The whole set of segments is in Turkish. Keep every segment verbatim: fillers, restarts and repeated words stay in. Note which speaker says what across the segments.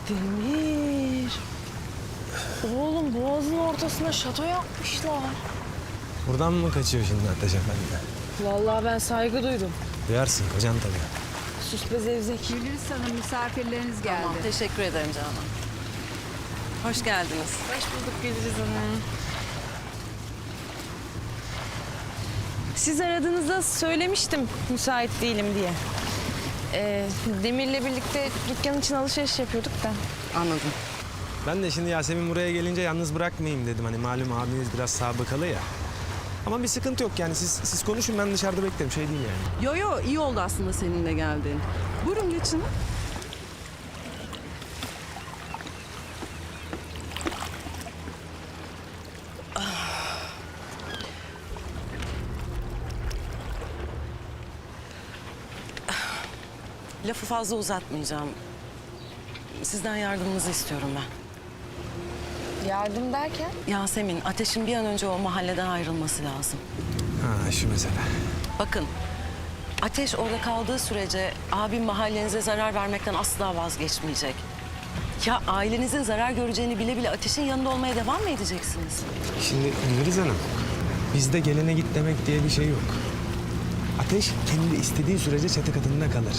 Speaker 1: Demir. Oğlum boğazın ortasına şato yapmışlar.
Speaker 2: Buradan mı kaçıyor şimdi Ateş Efendi?
Speaker 1: Vallahi ben saygı duydum.
Speaker 2: Duyarsın kocan tabii.
Speaker 1: Sus be zevzek.
Speaker 3: Gülriz Hanım misafirleriniz geldi.
Speaker 4: Tamam, teşekkür ederim Canan. Hoş geldiniz.
Speaker 1: Hoş bulduk Gülriz Hanım. Siz aradığınızda söylemiştim müsait değilim diye. Ee, Demir'le birlikte dükkan için alışveriş yapıyorduk da.
Speaker 4: Anladım.
Speaker 2: Ben de şimdi Yasemin buraya gelince yalnız bırakmayayım dedim. Hani malum abiniz biraz sabıkalı ya. Ama bir sıkıntı yok yani siz siz konuşun ben dışarıda beklerim şey değil yani.
Speaker 4: Yo yo iyi oldu aslında seninle geldiğin. Buyurun geçin. Lafı fazla uzatmayacağım. Sizden yardımınızı istiyorum ben.
Speaker 1: Yardım derken?
Speaker 4: Yasemin, Ateş'in bir an önce o mahalleden ayrılması lazım.
Speaker 2: Ha şu mesele.
Speaker 4: Bakın, Ateş orada kaldığı sürece abim mahallenize zarar vermekten asla vazgeçmeyecek. Ya ailenizin zarar göreceğini bile bile Ateş'in yanında olmaya devam mı edeceksiniz?
Speaker 2: Şimdi Gülriz Hanım bizde gelene git demek diye bir şey yok. Ateş kendi istediği sürece çatı katında kalır.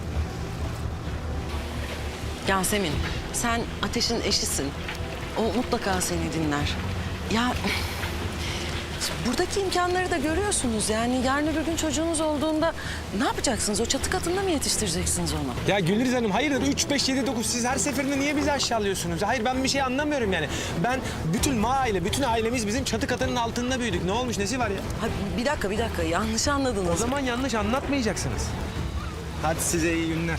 Speaker 4: Yasemin, sen Ateş'in eşisin. O mutlaka seni dinler. Ya buradaki imkanları da görüyorsunuz. Yani yarın öbür gün çocuğunuz olduğunda ne yapacaksınız? O çatı katında mı yetiştireceksiniz onu?
Speaker 2: Ya Gülriz Hanım hayırdır üç, beş, yedi, dokuz siz her seferinde niye bizi aşağılıyorsunuz? Hayır ben bir şey anlamıyorum yani. Ben bütün ma aile, bütün ailemiz bizim çatı katının altında büyüdük. Ne olmuş nesi var ya?
Speaker 4: Ha, bir dakika, bir dakika. Yanlış anladınız.
Speaker 2: O zaman yanlış anlatmayacaksınız. Hadi size iyi günler.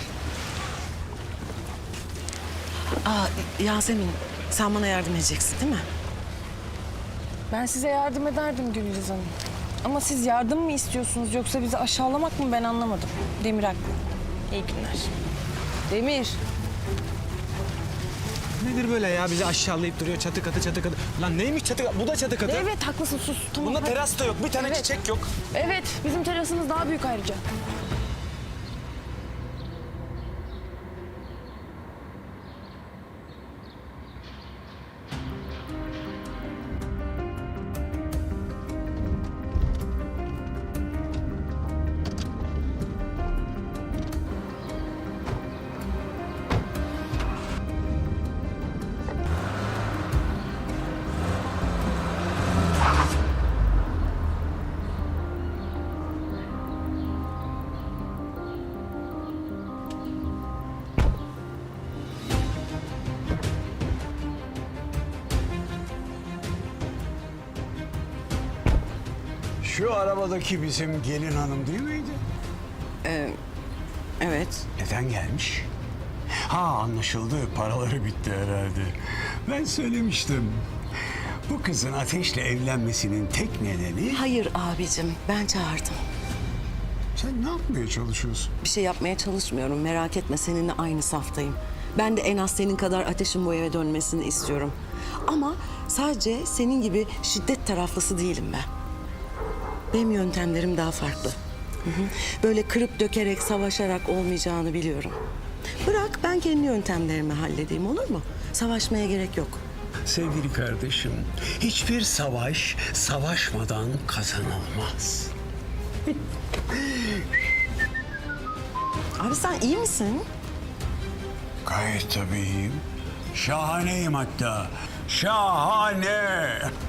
Speaker 4: Aa, Yasemin, sen bana yardım edeceksin değil mi?
Speaker 1: Ben size yardım ederdim Gülriz Hanım. Ama siz yardım mı istiyorsunuz yoksa bizi aşağılamak mı ben anlamadım. Demir haklı. İyi günler. Demir.
Speaker 2: Nedir böyle ya bizi aşağılayıp duruyor çatı katı çatı katı. Lan neymiş çatı katı? Bu da çatı katı.
Speaker 1: Evet haklısın sus. Tamam.
Speaker 2: Bunda
Speaker 1: hadi.
Speaker 2: teras da yok. Bir tane
Speaker 1: Evet.
Speaker 2: çiçek yok.
Speaker 1: Evet bizim terasımız daha büyük ayrıca.
Speaker 5: Şu arabadaki bizim gelin hanım değil miydi?
Speaker 4: Ee, evet.
Speaker 5: Neden gelmiş? Ha anlaşıldı. Paraları bitti herhalde. Ben söylemiştim. Bu kızın Ateş'le evlenmesinin tek nedeni...
Speaker 4: Hayır abicim, ben çağırdım.
Speaker 5: Sen ne yapmaya çalışıyorsun?
Speaker 4: Bir şey yapmaya çalışmıyorum. Merak etme, seninle aynı saftayım. Ben de en az senin kadar Ateş'in bu eve dönmesini istiyorum. Ama sadece senin gibi şiddet taraflısı değilim ben. Benim yöntemlerim daha farklı. Hı hı. Böyle kırıp dökerek, savaşarak olmayacağını biliyorum. Bırak ben kendi yöntemlerimi halledeyim, olur mu? Savaşmaya gerek yok.
Speaker 5: Sevgili kardeşim, hiçbir savaş savaşmadan kazanılmaz.
Speaker 4: Abi sen iyi misin?
Speaker 5: Gayet tabiiyim. Şahaneyim hatta. Şahane.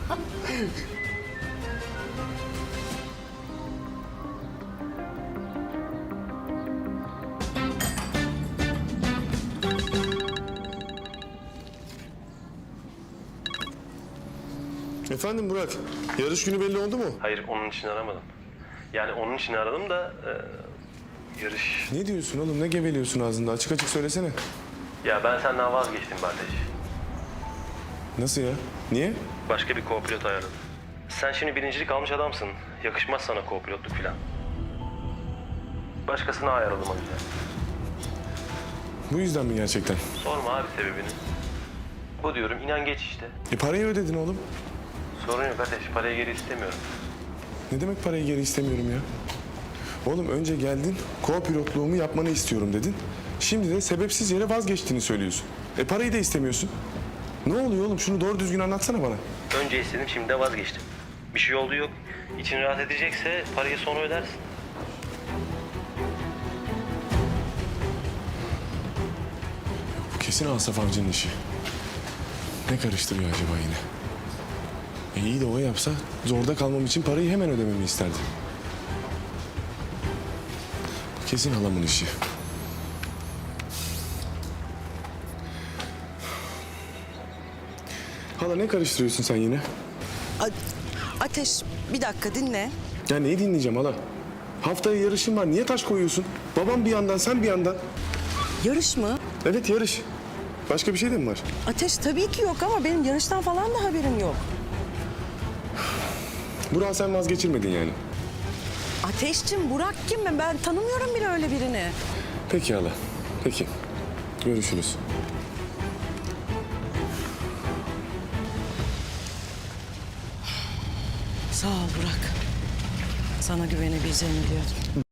Speaker 6: Efendim Burak, yarış günü belli oldu mu?
Speaker 7: Hayır, onun için aramadım. Yani onun için aradım da e, yarış...
Speaker 6: Ne diyorsun oğlum, ne geveliyorsun ağzında? Açık açık söylesene.
Speaker 7: Ya ben senden vazgeçtim Ateş.
Speaker 6: Nasıl ya? Niye?
Speaker 7: Başka bir co-pilot ayarladım. Sen şimdi birincilik almış adamsın. Yakışmaz sana co-pilotluk falan. Başkasına ayarladım o yüzden.
Speaker 6: Bu yüzden mi gerçekten?
Speaker 7: Sorma abi sebebini. Bu diyorum, inan geç işte.
Speaker 6: E parayı ödedin oğlum.
Speaker 7: Sorun yok Ateş, parayı geri istemiyorum.
Speaker 6: Ne demek parayı geri istemiyorum ya? Oğlum önce geldin, co-pilotluğumu yapmanı istiyorum dedin. Şimdi de sebepsiz yere vazgeçtiğini söylüyorsun. E parayı da istemiyorsun. Ne oluyor oğlum? Şunu doğru düzgün anlatsana bana.
Speaker 7: Önce istedim, şimdi de vazgeçtim. Bir şey olduğu yok. İçin rahat edecekse parayı sonra ödersin.
Speaker 6: Bu kesin Asaf Avcı'nın işi. Ne karıştırıyor acaba yine? E iyi de o yapsa zorda kalmam için parayı hemen ödememi isterdi. Bu kesin halamın işi. Hala ne karıştırıyorsun sen yine?
Speaker 4: A- Ateş bir dakika dinle.
Speaker 6: Ya neyi dinleyeceğim hala? Haftaya yarışın var. Niye taş koyuyorsun? Babam bir yandan, sen bir yandan.
Speaker 4: Yarış mı?
Speaker 6: Evet yarış. Başka bir şey de mi var?
Speaker 4: Ateş tabii ki yok ama benim yarıştan falan da haberim yok.
Speaker 6: Burak'ı sen vazgeçirmedin yani.
Speaker 4: Ateşçim, Burak kim? Ben, ben tanımıyorum bile öyle birini.
Speaker 6: Peki hala. Peki. Görüşürüz.
Speaker 4: Sağ ol Burak. Sana güvenebileceğimi biliyordum.